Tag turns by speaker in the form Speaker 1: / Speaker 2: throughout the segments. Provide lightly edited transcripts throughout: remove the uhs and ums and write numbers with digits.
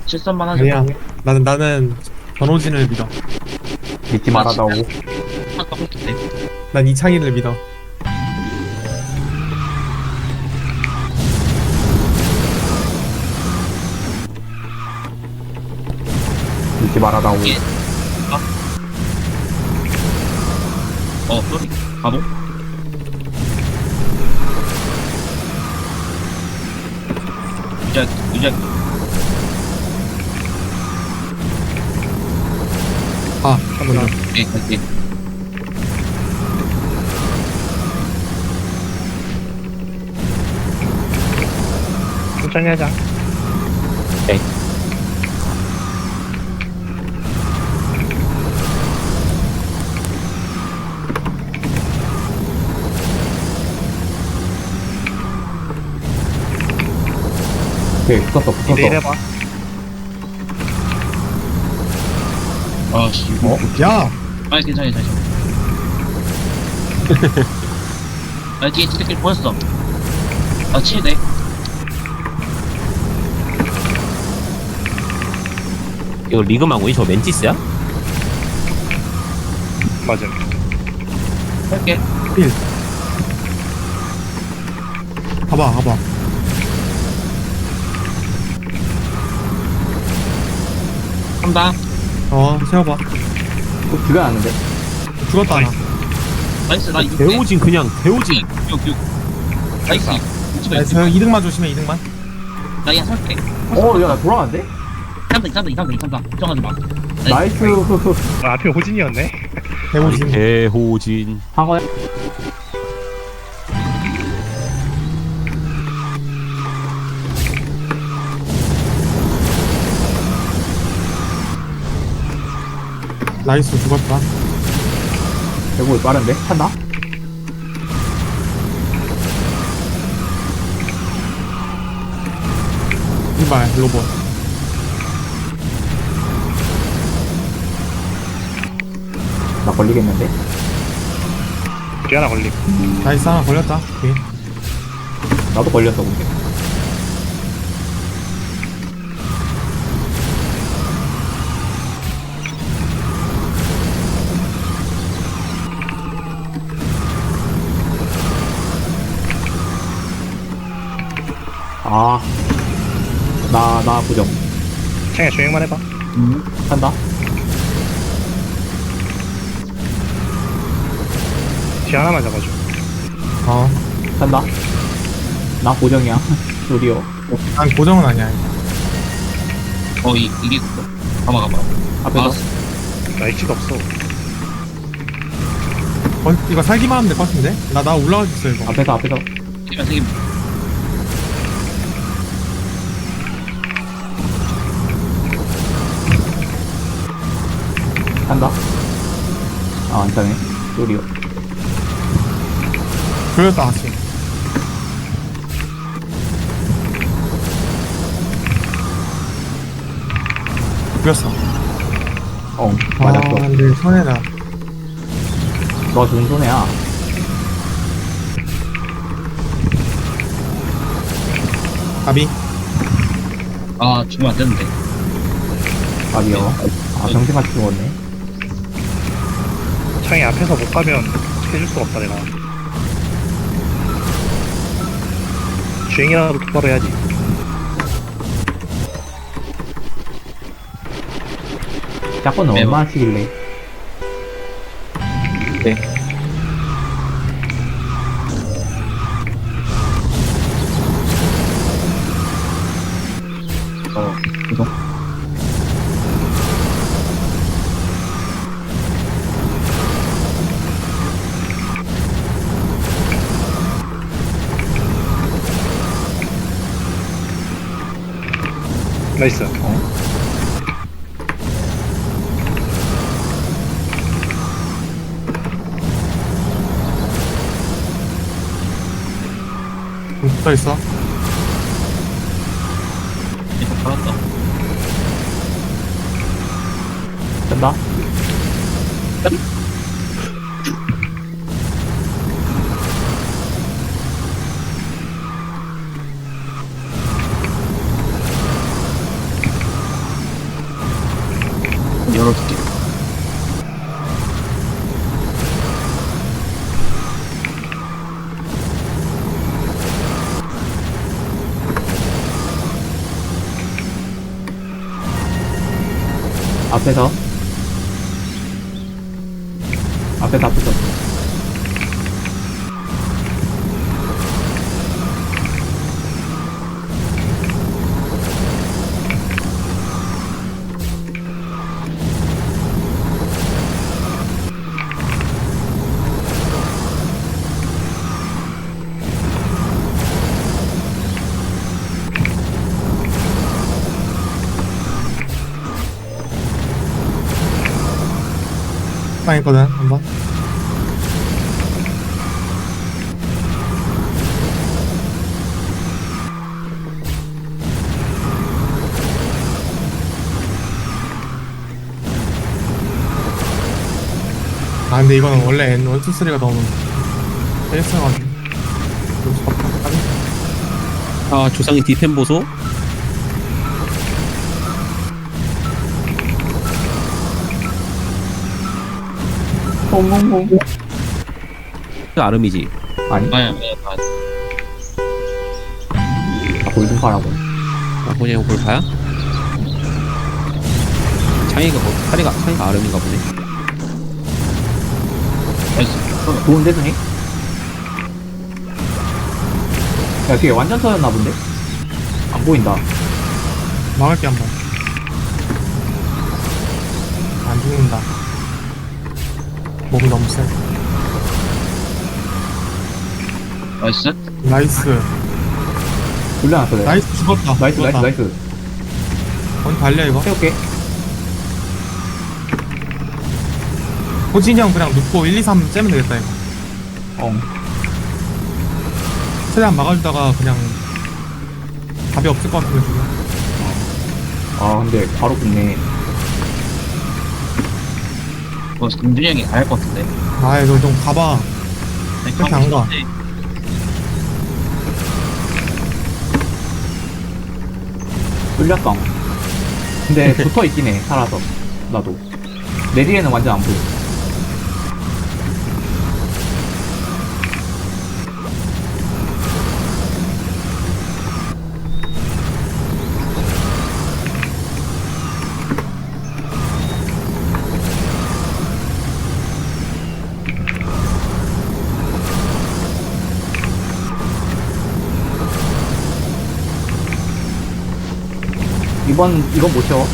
Speaker 1: 실선만 하자.
Speaker 2: 아니야. 나는 변호진을 믿어.
Speaker 3: 믿지 말아다오.
Speaker 1: 아까 볼게 돼.
Speaker 2: 난 이창희를 믿어.
Speaker 3: 믿지 말아다오.
Speaker 1: 예. 쏘리. 바보. 유작.
Speaker 2: 아, 잠깐만.
Speaker 1: 예, 갈게.
Speaker 4: 천천히 하자.
Speaker 3: 오케이, 붙었어.
Speaker 4: 내일 해봐.
Speaker 1: 씨.
Speaker 2: 야!
Speaker 1: 괜찮아. 뒤에 티켓 보였어. 치네.
Speaker 5: 이거 리그망고이 저 멘티스야?
Speaker 4: 맞음.
Speaker 1: 할게.
Speaker 2: 필. 가봐.
Speaker 1: 한다.
Speaker 2: 세워봐.
Speaker 3: 죽여 놨는데.
Speaker 2: 죽었다, 하나.
Speaker 1: 나이스. 나 이거.
Speaker 5: 대오진 그냥 대오진.
Speaker 1: 6. 나이스.
Speaker 2: 나이스, 2등만 조심해, 2등만.
Speaker 1: 나 그냥 설게.
Speaker 3: 야, 나 돌아왔는데?
Speaker 1: 3등. 걱정하지 마.
Speaker 3: 나이스.
Speaker 4: 앞에 호진이었네.
Speaker 2: 대호진.
Speaker 5: 대호진.
Speaker 3: 한번
Speaker 2: 나이스, 죽었다.
Speaker 3: 대구 빠른데? 찬다?
Speaker 2: 이발, 로봇.
Speaker 3: 나 걸리겠는데?
Speaker 4: 뒤 하나 걸림.
Speaker 2: 나이스, 하나 걸렸다. 오케이.
Speaker 3: 나도 걸렸어, 근데. 나 부정.
Speaker 4: 창야 주행만 해봐.
Speaker 3: 찬다?
Speaker 4: 뒤 하나만 잡아줘.
Speaker 3: 찬다? 나 고정이야. 드디어.
Speaker 2: 난 고정은 아니야.
Speaker 1: 이게 있어. 가봐.
Speaker 3: 앞에서.
Speaker 4: 나 H가 없어.
Speaker 2: 이거 살기만 하면 될 것 같은데? 나 올라갈 수 있어, 이거.
Speaker 3: 앞에서.
Speaker 1: 세개
Speaker 3: 찬다? 안 차네. 드디어.
Speaker 2: 걸렸다, 다시. 죽였어.
Speaker 3: 맞았어.
Speaker 2: 근데 손해다.
Speaker 3: 너 좋은 손해야.
Speaker 2: 가비.
Speaker 1: 죽으면 안 되는데.
Speaker 3: 아니요. 정신같이 죽었네.
Speaker 4: 창이 앞에서 못 가면 어떻게 해줄 수가 없다 내가. 주행이라도 똑바로 해야지.
Speaker 3: 짝건은
Speaker 1: 매번.
Speaker 3: 얼마나 치길래? 이동.
Speaker 4: 나이스.
Speaker 2: 붙어 있어.
Speaker 1: 이거 받았다.
Speaker 3: 된다?
Speaker 1: 열어줄게.
Speaker 3: 앞에서. 앞에서.
Speaker 2: 빵했거든 한번. 아 근데 이거는 원래 N1, 2, 3가 너무 뺐어가지고
Speaker 5: 아 조상의 디템 보소.
Speaker 3: 홍홍홍.
Speaker 5: 그 아름이지.
Speaker 3: 아니,
Speaker 1: 아야,
Speaker 3: 골든파라고.
Speaker 5: 아 그냥 볼파야? 창이가 창이가 아름인가 보네.
Speaker 1: 나이스.
Speaker 3: 좋은데, 승희? 야, 뒤에 완전 터졌나 본데? 안 보인다.
Speaker 2: 막을게 한번. 안 죽는다. 몸이 너무 세.
Speaker 1: 나이스.
Speaker 2: 나이스.
Speaker 3: 돌려놨어, 내가.
Speaker 2: 나이스 죽었다.
Speaker 3: 나이스.
Speaker 2: 언니 달려 이거.
Speaker 3: 태울게.
Speaker 2: 호진이 형 그냥 눕고 1, 2, 3 째면 되겠다 이거. 최대한 막아주다가 그냥 답이 없을 것 같으면 죽여.
Speaker 3: 아, 근데 바로 붙네.
Speaker 1: 뭐, 금준이 형이 가야 할 것 같은데.
Speaker 2: 아 이거 좀 가봐. 그렇게 안 가.
Speaker 3: 뚫렸다. 근데 붙어있긴 해, 살아서. 나도. 내 뒤에는 완전 안 보여. 이건 못 채워.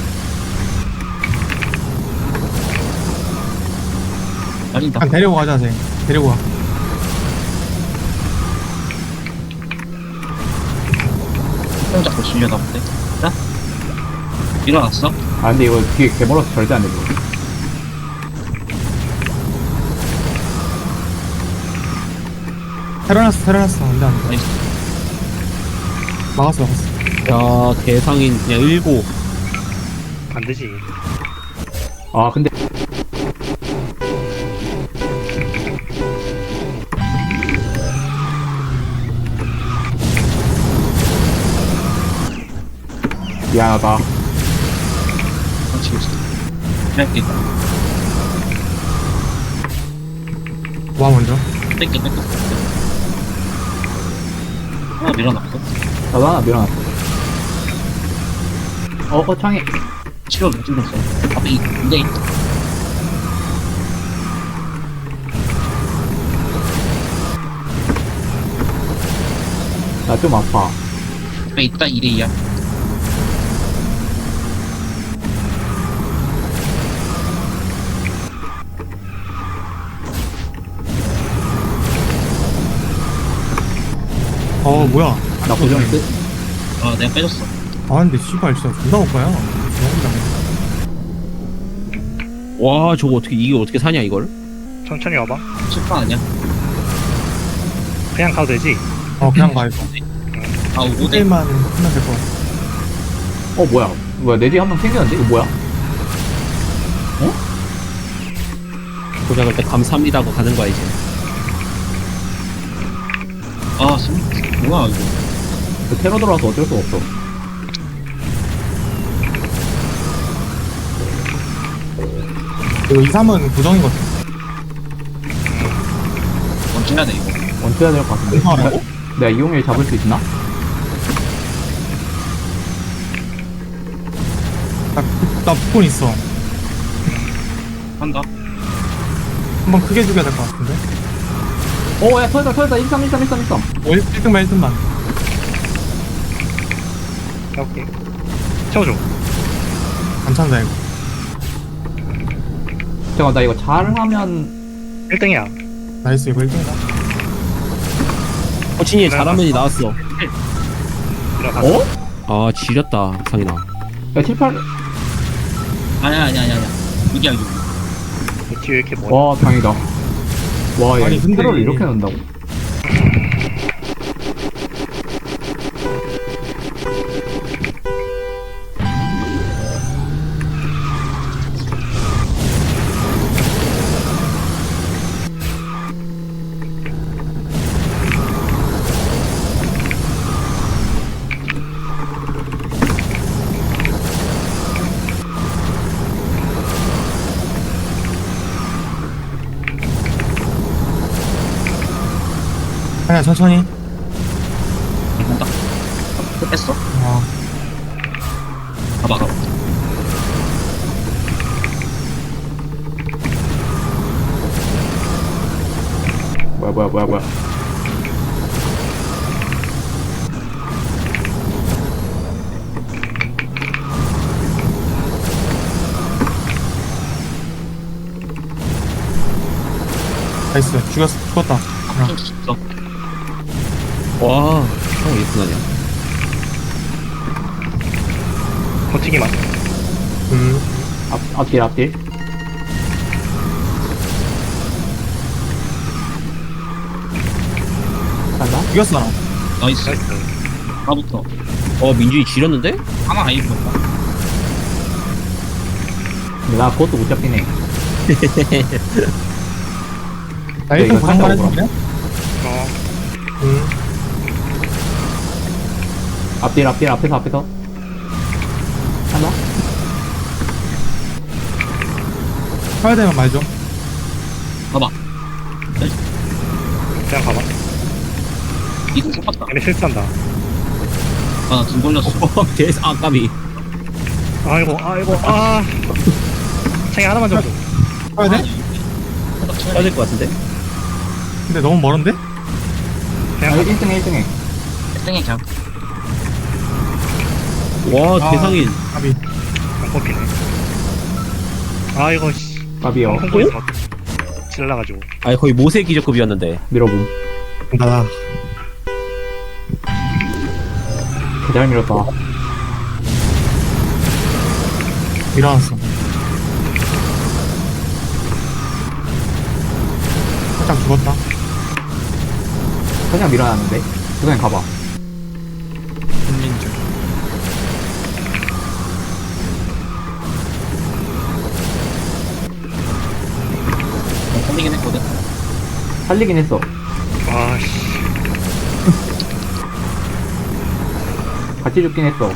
Speaker 1: 아니다.
Speaker 2: 그냥 데리고 가자 쟤. 데리고 가.
Speaker 1: 형 잡고 질려나 본데. 자. 일어났어?
Speaker 3: 아, 근데 이거 뒤에 개멀어서 절대 안 돼, 이거.
Speaker 2: 테러났어. 안돼 안돼.
Speaker 1: 나이스.
Speaker 2: 막았어.
Speaker 5: 야 개상인 그냥 일고.
Speaker 4: 안 되지.
Speaker 3: 아, 근데. 미안하다.
Speaker 1: 지금 있어. 뺄게.
Speaker 2: 와 먼저.
Speaker 1: 뺄게. 하나 밀어놨고.
Speaker 3: 나도 하나 밀어놨어. 창에.
Speaker 1: 치료 못 찍었어. 앞에 인데 있다.
Speaker 3: 나 좀 아파.
Speaker 1: 앞에 있다 2대2야.
Speaker 2: 뭐야.
Speaker 3: 나 고정인데?
Speaker 1: 아 내가 빼줬어.
Speaker 2: 아 근데 씨발 진짜 존나 올 거야.
Speaker 5: 와 저거 어떻게 이게 어떻게 사냐 이걸?
Speaker 4: 천천히 와봐.
Speaker 1: 실파 아니야?
Speaker 4: 그냥 가도 되지.
Speaker 2: 그냥 가 이거.
Speaker 1: 아 5대.
Speaker 2: 5대만 하면 될 거야.
Speaker 3: 뭐야, 내 뒤에 한 명 생겼는데? 이거 뭐야?
Speaker 5: 고작을 때 감사합니다 하고 가는 거야 이제.
Speaker 1: 아 뭐야 이거.
Speaker 3: 그 테러 들어와서 어쩔 수가 없어.
Speaker 2: 이거 2, 3은 고정이거든.
Speaker 1: 먼저 해야 돼 이거.
Speaker 3: 원투해야 될 것 같은데.
Speaker 2: 이상하라고?
Speaker 3: 내가 이용일 잡을 수 있나?
Speaker 2: 나 복권 있어.
Speaker 1: 한다.
Speaker 2: 한번 크게 죽여야 될 것 같은데.
Speaker 3: 오, 야, 터졌다. 13.
Speaker 2: 1등만 1등만.
Speaker 4: 오케이. 채워줘.
Speaker 2: 괜찮다 이거.
Speaker 3: 잠깐만, 나 이거 잘하면.
Speaker 4: 1등이야.
Speaker 2: 나이스 이거 1등이다.
Speaker 5: 진이 잘하면이 나왔어.
Speaker 3: 어?
Speaker 5: 아 지렸다 상인아.
Speaker 3: 야, 7, 8.
Speaker 1: 아니야. 6이야 6.
Speaker 4: 뒤에 왜 이렇게 뭐야?
Speaker 3: 와, 다행이다. 와, 얘
Speaker 2: 아니, 근데
Speaker 3: 테러를
Speaker 2: 이-
Speaker 3: 이렇게 넣는다고?
Speaker 2: 그냥 천천히.
Speaker 1: 한다. 뺐어.
Speaker 2: 어.
Speaker 1: 가봐.
Speaker 3: 뭐야.
Speaker 2: 나이스. 죽었다.
Speaker 1: 좀 죽었어.
Speaker 5: 와 형 이렇게 나냐.
Speaker 4: 버티기만.
Speaker 3: 앞딜. 간다?
Speaker 2: 죽였어.
Speaker 1: 나이스.
Speaker 4: 나이스.
Speaker 1: 하나부터.
Speaker 5: 민준이 지렸는데?
Speaker 1: 하나 아예 죽었다.
Speaker 3: 근데 나 그것도 못 잡긴 해.
Speaker 2: 나
Speaker 3: 네,
Speaker 2: 1등
Speaker 3: 이거
Speaker 2: 고정만
Speaker 3: 살짝
Speaker 2: 해줄래?
Speaker 4: 어.
Speaker 3: 앞딜, 앞에서. 간다?
Speaker 2: 해야 되면 말 좀.
Speaker 1: 가봐.
Speaker 4: 그냥 가봐.
Speaker 1: 2등 속았다.
Speaker 4: 얘네 실수한다.
Speaker 1: 아나등 걸렸어.
Speaker 5: 대스 아까비.
Speaker 4: 아이고. 창이 하나만 잡아줘.
Speaker 2: 해야 돼?
Speaker 5: 해야 될 것 같은데?
Speaker 2: 근데 너무 멀은데?
Speaker 4: 그냥
Speaker 3: 아,
Speaker 4: 가봐.
Speaker 3: 1등해.
Speaker 1: 1등에 그냥.
Speaker 5: 와
Speaker 2: 아.
Speaker 5: 대상인.
Speaker 2: 가비.
Speaker 4: 안 뽑히네. 아이고 씨.
Speaker 3: 갑이요.
Speaker 4: 홍보에서 막 질러가지고.
Speaker 5: 아니 거의 모세 기적급이었는데.
Speaker 3: 밀어봄.
Speaker 2: 나
Speaker 3: 잘 밀었다.
Speaker 2: 일어났어. 살짝 죽었다.
Speaker 3: 그냥 밀어놨는데? 그냥 가봐.
Speaker 2: 국민적.
Speaker 1: 살리긴 했거든.
Speaker 3: 살리긴 했어.
Speaker 4: 아씨.
Speaker 3: 같이 죽긴 했어.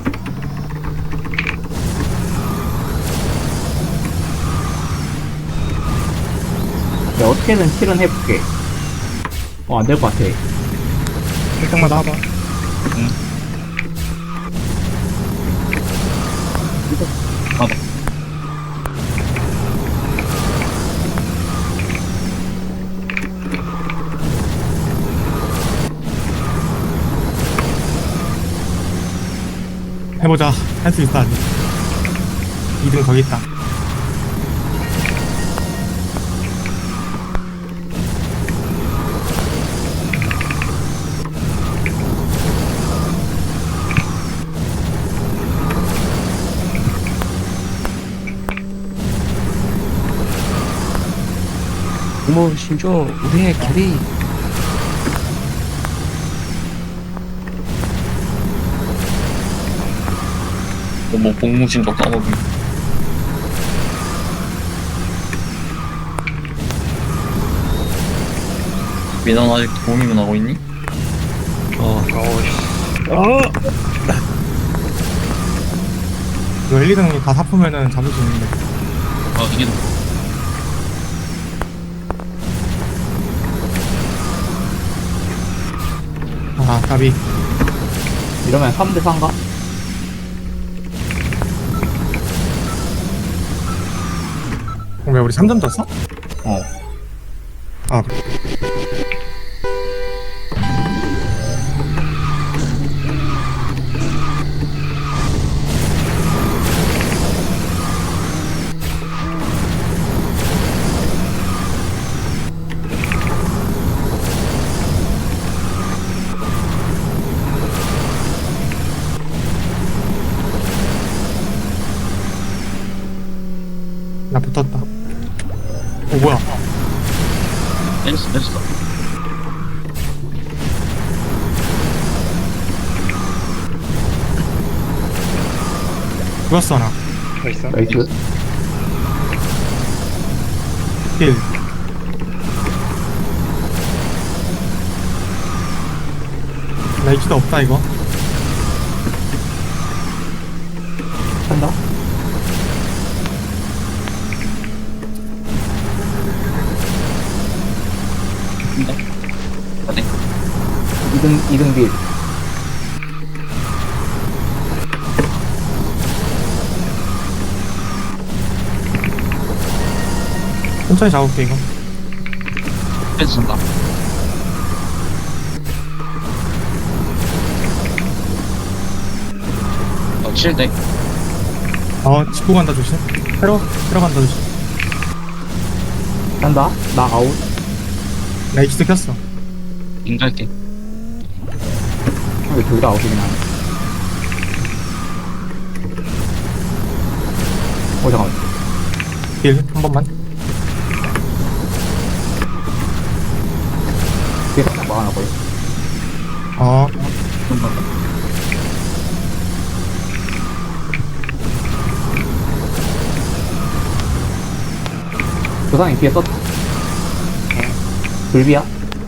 Speaker 3: 내가 어떻게든 7은 해볼게. 안 될 것 같아.
Speaker 4: 1등만 나와봐.
Speaker 1: 가봐.
Speaker 2: 해보자. 할 수 있어 아직. 2등 거기 있다.
Speaker 5: 어머 신조 우리의 캐리.
Speaker 6: 뭐 복무신도 까먹기. 민원 아직 도움이면 하고 있니?
Speaker 4: 어우씨.
Speaker 2: 이거 1, 2등 다 사프면은 잡을 수 있는데.
Speaker 1: 아 이게 더.
Speaker 2: 아, 까비.
Speaker 3: 이러면 3대 4인가?
Speaker 2: 왜 우리 3점 졌어?
Speaker 3: 어.
Speaker 2: 아, 나 붙었다. 뭐야.
Speaker 1: 내렸어.
Speaker 2: 죽었어, 나.
Speaker 4: 나이스.
Speaker 3: 나이스.
Speaker 2: 힐. 나 이치도 없다, 이거.
Speaker 3: 한다.
Speaker 1: 근데 어때?
Speaker 3: 2등 빌.
Speaker 2: 천천히 잡을게, 이거.
Speaker 1: 패스 쓴다. 어 7대.
Speaker 2: 짚고 간다, 조심. 새로 간다, 조심.
Speaker 3: 한다. 나 아웃.
Speaker 2: 나 이치도 켰어.
Speaker 1: 인갈게.
Speaker 3: 왜 둘 다 아웃이긴 하네. 잠깐만.
Speaker 2: 힐, 한 번만.
Speaker 3: 뒤에 살짝 막아놨거든. 조상이 뒤에 썼다. 불비야?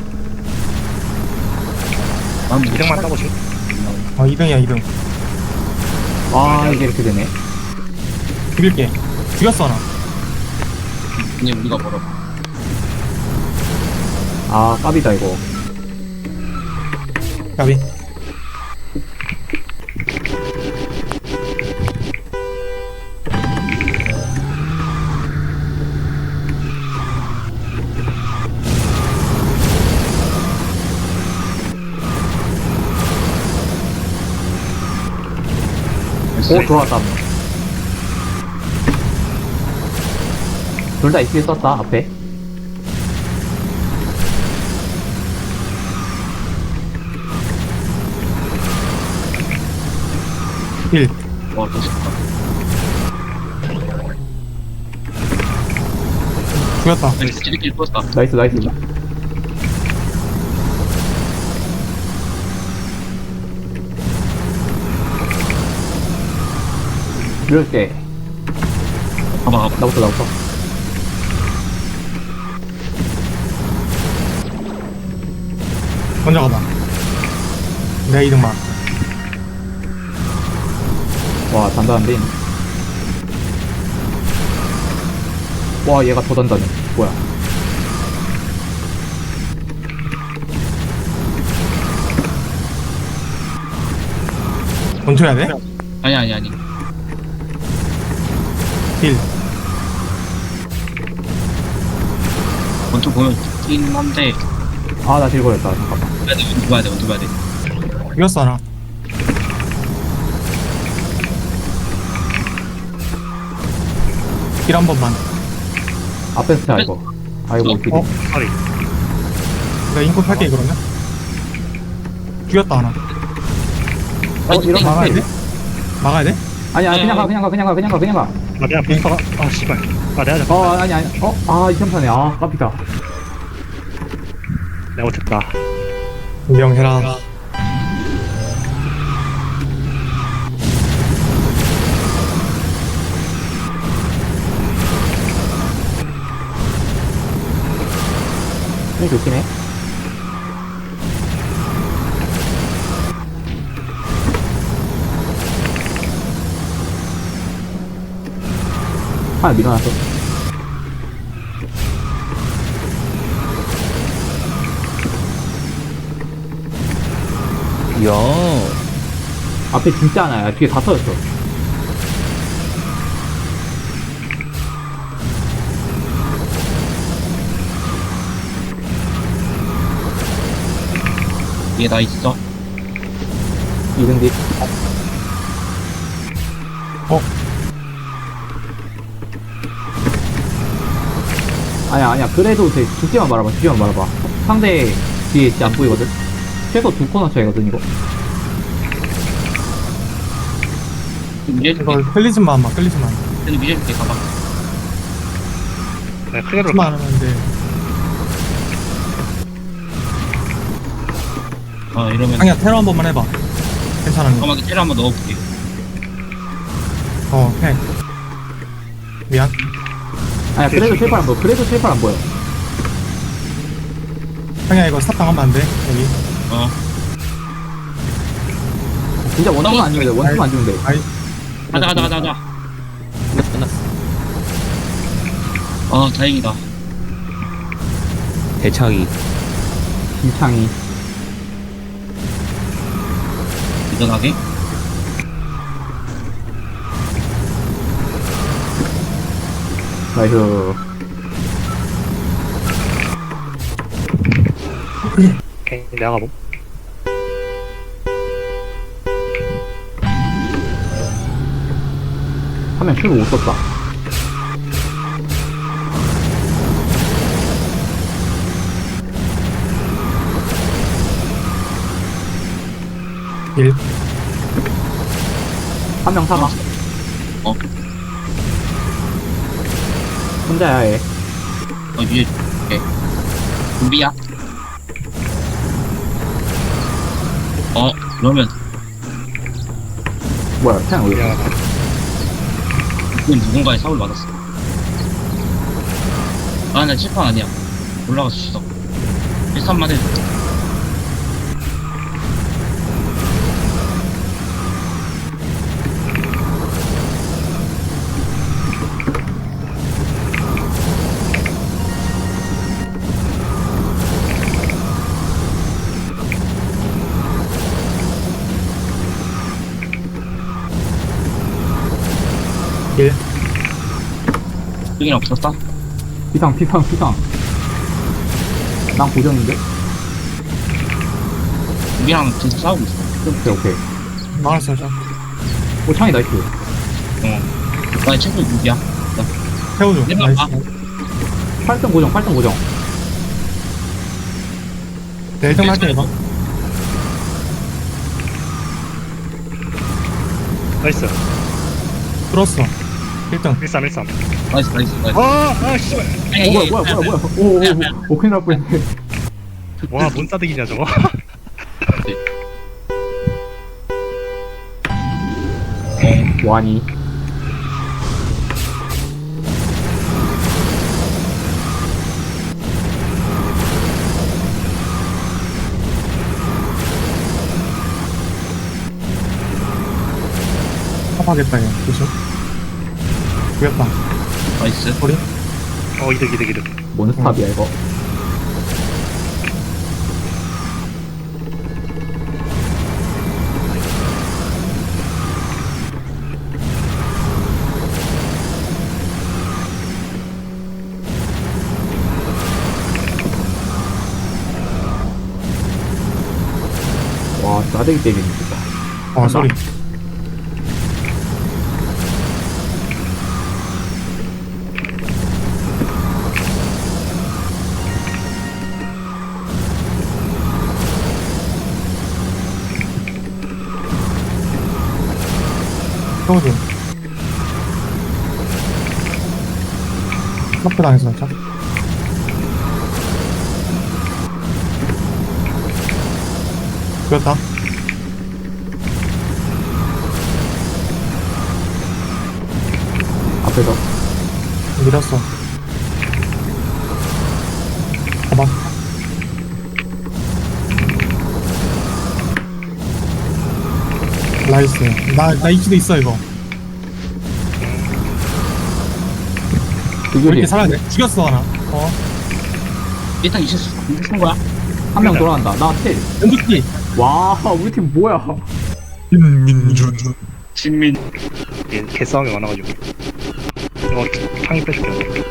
Speaker 1: 다음
Speaker 4: 2등만 따보지.
Speaker 2: 2등이야, 2등.
Speaker 3: 아, 이게 이렇게 되네.
Speaker 2: 죽일게. 죽였어, 나.
Speaker 1: 그냥 우리가 벌어.
Speaker 3: 아, 깝이다, 이거.
Speaker 2: 까비.
Speaker 3: 오, 들어왔다. 둘 다 입술에 썼다, 앞에.
Speaker 2: 힐.
Speaker 1: 와, 또 좋다.
Speaker 2: 죽였다.
Speaker 1: 지들끼리 떴다.
Speaker 3: 나이스, 나이스. 이럴 때,
Speaker 1: 가봐.
Speaker 3: 나부터.
Speaker 2: 먼저 가봐. 내가 2등만.
Speaker 3: 와, 단단한데. 와, 얘가 더 단단해. 뭐야.
Speaker 2: 멈춰야 돼?
Speaker 1: 아니.
Speaker 2: 힐.
Speaker 1: 먼저 보면 좋긴 한데
Speaker 3: 아, 나 딜 걸렸다. 잠깐만.
Speaker 1: 원투 봐야 돼.
Speaker 2: 죽였어, 나. 힐 한 번만.
Speaker 3: 앞에 스타, 이거. 아이고, 딜이.
Speaker 4: 서리.
Speaker 2: 내가 인코 팔게, 그러면. 죽였다, 하나.
Speaker 3: 이런
Speaker 2: 막아야 돼? 막아야 돼?
Speaker 3: 아니야, 그냥 가.
Speaker 4: 아, 내가 부스터가. 아, 씨발. 아, 내가 잡
Speaker 3: 아니. 이 편파네. 아, 깝이다.
Speaker 4: 내가 못했다.
Speaker 2: 인정해라.
Speaker 3: 힘이 좋긴 해. 하나 밀어놨어.
Speaker 5: 이야.
Speaker 3: 앞에 진짜 하나야. 뒤에 다 터졌어.
Speaker 1: 얘 나 있어.
Speaker 3: 2등 뒤. 아니야. 그래도 돼. 죽지만 말아봐. 상대 뒤에 진짜 안 보이거든? 최소 2코너 차이거든, 이거.
Speaker 1: 밀어줄게.
Speaker 2: 이거 끌리지만 안 마, 끌리지만.
Speaker 1: 근데 밀어줄게, 가봐.
Speaker 4: 내가 크게
Speaker 2: 끌리지만
Speaker 4: 들었다.
Speaker 2: 안 하면 돼.
Speaker 1: 이러면.
Speaker 2: 아니야, 테러 한 번만 해봐. 괜찮아.
Speaker 1: 잠깐만, 테러 한번 넣어볼게.
Speaker 2: 해. 미안.
Speaker 3: 아니야, 그래도 칠팔 안 보여.
Speaker 2: 형이야, 이거 스탑 당하면 안 돼. 여기.
Speaker 3: 진짜 원투만 안 주면 돼.
Speaker 2: 아이,
Speaker 1: 가자.
Speaker 5: 끝났어.
Speaker 1: 다행이다.
Speaker 5: 대창이.
Speaker 3: 김창이.
Speaker 1: 일어나게.
Speaker 3: 나이스.
Speaker 4: 오케이, 내가 가봄.
Speaker 3: 화면 큐브 못 썼다.
Speaker 2: 일.
Speaker 3: 한 명 사가. 혼자야, 얘.
Speaker 1: 위에 줄게. 준비야. 그러면,
Speaker 3: 뭐야, 그냥 왜.
Speaker 4: 미안하다.
Speaker 1: 이건 누군가의 사고를 맞았어. 나 칠판 아니야. 올라갈 수 있어. 1-3만 해줘.
Speaker 2: 일.
Speaker 1: 여긴 없었어?
Speaker 3: 피상. 난 고정인데?
Speaker 1: 우리랑 계속 싸우고 있어.
Speaker 3: 오케이.
Speaker 2: 막았어, 저.
Speaker 3: 오, 창이 나이스.
Speaker 1: 나 최소 6이야.
Speaker 2: 태워줘.
Speaker 1: 일로
Speaker 2: 나이스.
Speaker 1: 와봐.
Speaker 3: 8등 고정.
Speaker 2: 내 1등 할게, 이거.
Speaker 4: 나이스.
Speaker 2: 뚫었어. 1등.
Speaker 4: 13.
Speaker 1: 나이스.
Speaker 4: 씨발.
Speaker 3: 오, 큰일 날 뻔했네.
Speaker 4: 와, 뭔 싸대기냐, 저거.
Speaker 3: 와니.
Speaker 2: 탑하겠다, 얘. 조심. 죽였다.
Speaker 1: 나이스.
Speaker 2: 우리?
Speaker 4: 이득.
Speaker 3: 몬스탑이야, 이거. 와, 싸대기 때리는 진짜.
Speaker 2: 쏘리. 태워줘. 스탑 당했어, 진짜. 죽였다.
Speaker 3: 앞에서.
Speaker 2: 밀었어. 봐봐. 나이스. 나 이치도 있어, 이거. 왜
Speaker 3: 그들이
Speaker 2: 이렇게 살아야 돼? 죽였어, 하나.
Speaker 1: 일단 이제 쓴 거야?
Speaker 3: 한 명 돌아간다. 나 텔.
Speaker 2: 연두키.
Speaker 3: 와, 우리 팀 뭐야?
Speaker 2: 민민준.
Speaker 1: 신민.
Speaker 4: 얘 개싸움이 많아가지고. 이거 창이 빼줄게.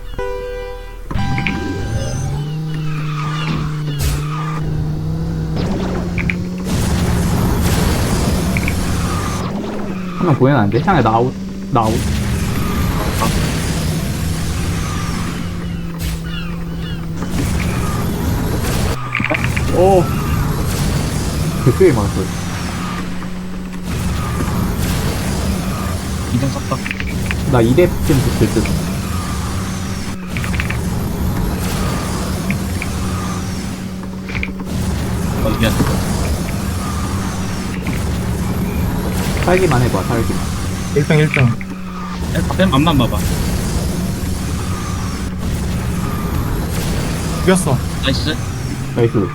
Speaker 3: 한 명 보이면 안 돼? 향해, 나 아웃. 나 아웃. 오. 되게 많았어.
Speaker 1: 이동 썼다.
Speaker 3: 나 2대 쯤 붙을 듯.
Speaker 1: 미안.
Speaker 3: 살기만 해봐, 살기만.
Speaker 2: 1등 1등.
Speaker 1: 뺨 앞만 봐봐.
Speaker 2: 죽였어.
Speaker 1: 나이스.
Speaker 3: 나이스.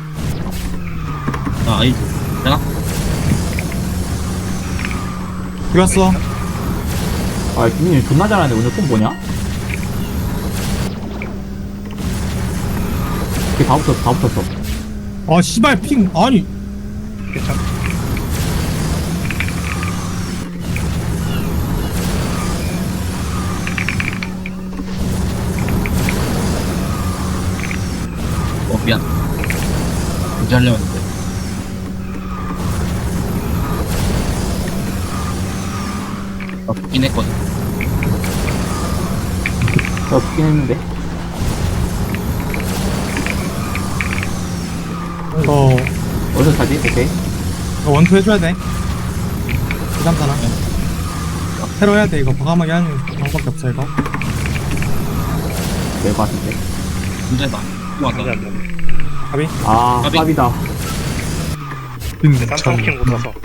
Speaker 1: 나 아이즈. 되나?
Speaker 2: 죽였어.
Speaker 3: 아, 김민이 존나 잘하는데 오늘 폼 뭐냐? 이게 다 붙었어, 다 붙었어.
Speaker 2: 아 씨발 핑 아니.
Speaker 4: 괜찮아.
Speaker 1: 미안. 유지하려고 했는데. 붙긴 했거든.
Speaker 3: 나 붙긴 했는데.
Speaker 2: 이거
Speaker 3: 어디서 차지? 오케이.
Speaker 2: 이거 원투 해줘야 돼. 부담잖아. 새로 해야 돼 이거. 과감하게 하는 방법밖에 없어 이거.
Speaker 3: 될것 같은데.
Speaker 1: 문제다. 또
Speaker 4: 안돼
Speaker 1: 왔다.
Speaker 4: 안돼.
Speaker 2: 가비.
Speaker 3: 아,
Speaker 1: 까비.
Speaker 3: 깝이다.
Speaker 4: 쌈싸움 못 와서.